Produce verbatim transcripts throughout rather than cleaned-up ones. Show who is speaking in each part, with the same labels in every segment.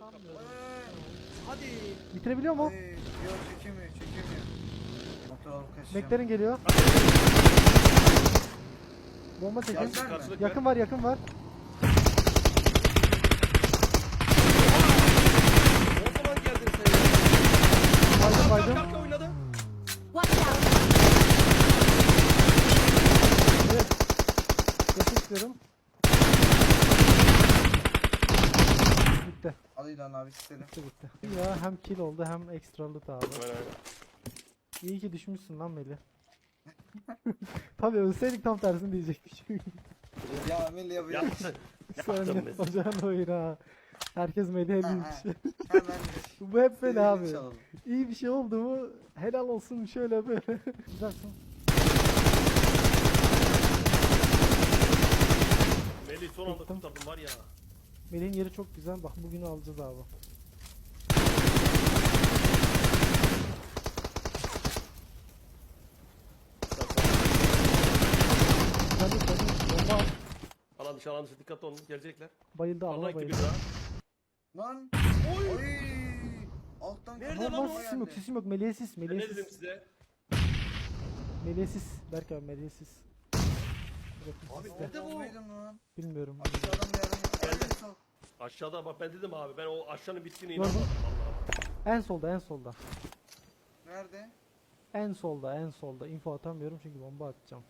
Speaker 1: Sanmıyorum.
Speaker 2: Hadi.
Speaker 1: Bitirebiliyor mu?
Speaker 3: Ay, yok çekemiyor çekemiyor. Motor alıp kaçacağım.
Speaker 1: Meklerin geliyor. Bomba çekin.
Speaker 3: Gelsin.
Speaker 2: Karşılık
Speaker 1: Yakın var, yakın var.
Speaker 2: O zaman geldin sen ya.
Speaker 1: Baydım
Speaker 2: Kalk
Speaker 1: baydım.
Speaker 2: kalk kalk oynadı.
Speaker 4: Watch out!
Speaker 1: Evet. Yakın istiyorum. Bitti.
Speaker 3: Al İlhan abi istedim.
Speaker 1: Bitti bitti. Ya hem kill oldu hem ekstra loot abi.
Speaker 2: Aynen aynen.
Speaker 1: İyi ki düşmüşsün lan Melih. Tabii ölseydik tam tersini diyecekmiş.
Speaker 3: Ya Melih yapıyor.
Speaker 2: Yaptın.
Speaker 1: Sen
Speaker 2: Yaptın
Speaker 1: de
Speaker 2: mesela.
Speaker 1: ocağın oyunu ha. Herkes Melih'e
Speaker 3: Ha,
Speaker 1: linç.
Speaker 3: Hemen.
Speaker 1: Bu hep böyle abi.
Speaker 3: Sevinç alalım.
Speaker 1: İyi bir şey oldu mu helal olsun şöyle böyle. Güzelsin.
Speaker 2: Melih son anda
Speaker 1: Tuttum.
Speaker 2: kurtardım var ya.
Speaker 1: Melih'in yeri çok güzel. Bak bugünü alacağız abi. Sen de sen de bomba at.
Speaker 2: Alan dışı alan dışı dikkatli olun gelecekler.
Speaker 1: Bayıldı
Speaker 2: Allah
Speaker 1: Allah
Speaker 2: gibi
Speaker 1: bayıldı.
Speaker 2: daha.
Speaker 3: Lan. Oy. Alttan
Speaker 2: Nerede
Speaker 3: kafa
Speaker 2: lan
Speaker 1: Ama
Speaker 2: o?
Speaker 1: sesim yok sesim yok. Melih'e sis
Speaker 2: Ben
Speaker 1: Melih'e
Speaker 2: ne dedim
Speaker 1: sis.
Speaker 2: size?
Speaker 1: Melih'e sis. Berk abi Melih'e sis. Bakın
Speaker 2: Abi
Speaker 1: sizde.
Speaker 2: nerede bu?
Speaker 3: Olmaydın lan.
Speaker 1: Bilmiyorum.
Speaker 3: Aşağıdan bir yerden.
Speaker 2: Geldi.
Speaker 3: Ay, sağ ol.
Speaker 2: Aşağıda bak ben dedim abi ben o aşağının bittiğine
Speaker 1: Gördüm.
Speaker 2: inanmadım vallahi.
Speaker 1: En solda en solda.
Speaker 3: Nerede?
Speaker 1: En solda en solda. Info atamıyorum çünkü bomba atacağım.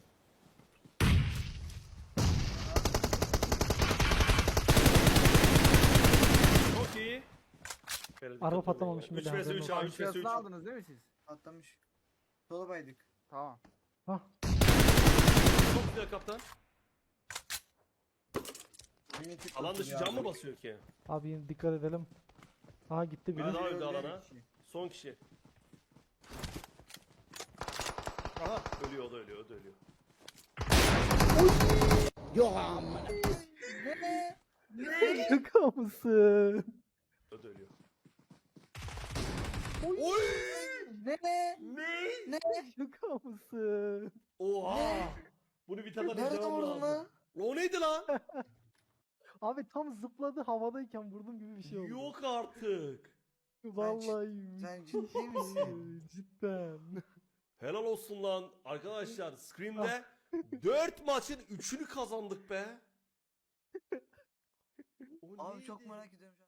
Speaker 2: Çok iyi. Böyle
Speaker 1: Araba
Speaker 2: dikkatli
Speaker 1: patlamamış
Speaker 2: olun.
Speaker 1: bile,
Speaker 2: üç vs
Speaker 1: haberin
Speaker 2: üç
Speaker 1: olsun.
Speaker 2: abi üç vs üç.
Speaker 5: Aşağısını aldınız değil mi siz?
Speaker 3: Atlamış. Sola baydık.
Speaker 5: Tamam.
Speaker 1: Hah.
Speaker 2: Çok güzel kaptan.
Speaker 3: Mimetik
Speaker 2: Alan
Speaker 3: kurtul
Speaker 2: dışı
Speaker 3: ya.
Speaker 2: can mı basıyor ki?
Speaker 1: Abi yine dikkat edelim. Aha gitti biri.
Speaker 2: Hadi abi.
Speaker 3: Öldü
Speaker 2: alana.
Speaker 3: bir kişi.
Speaker 2: Son kişi. Aha ölüyor o da ölüyor o da ölüyor.
Speaker 1: Şaka mısın?
Speaker 2: O da ölüyor.
Speaker 3: Ne?
Speaker 2: Ne?
Speaker 1: Şaka mısın?
Speaker 2: Oha! Bunu bir tane
Speaker 3: Nerede
Speaker 2: izlemem
Speaker 3: vurdun
Speaker 2: lazım.
Speaker 3: lan?
Speaker 2: O neydi lan?
Speaker 1: Abi tam zıpladı havadayken vurdum gibi bir şey oldu.
Speaker 2: Yok artık.
Speaker 1: Vallahi.
Speaker 3: Sen ciddi misin?
Speaker 1: Cidden.
Speaker 2: Helal olsun lan. Arkadaşlar Scream'de dört maçın üçünü kazandık be. O
Speaker 3: Abi
Speaker 2: neydi?
Speaker 3: çok merak ediyorum.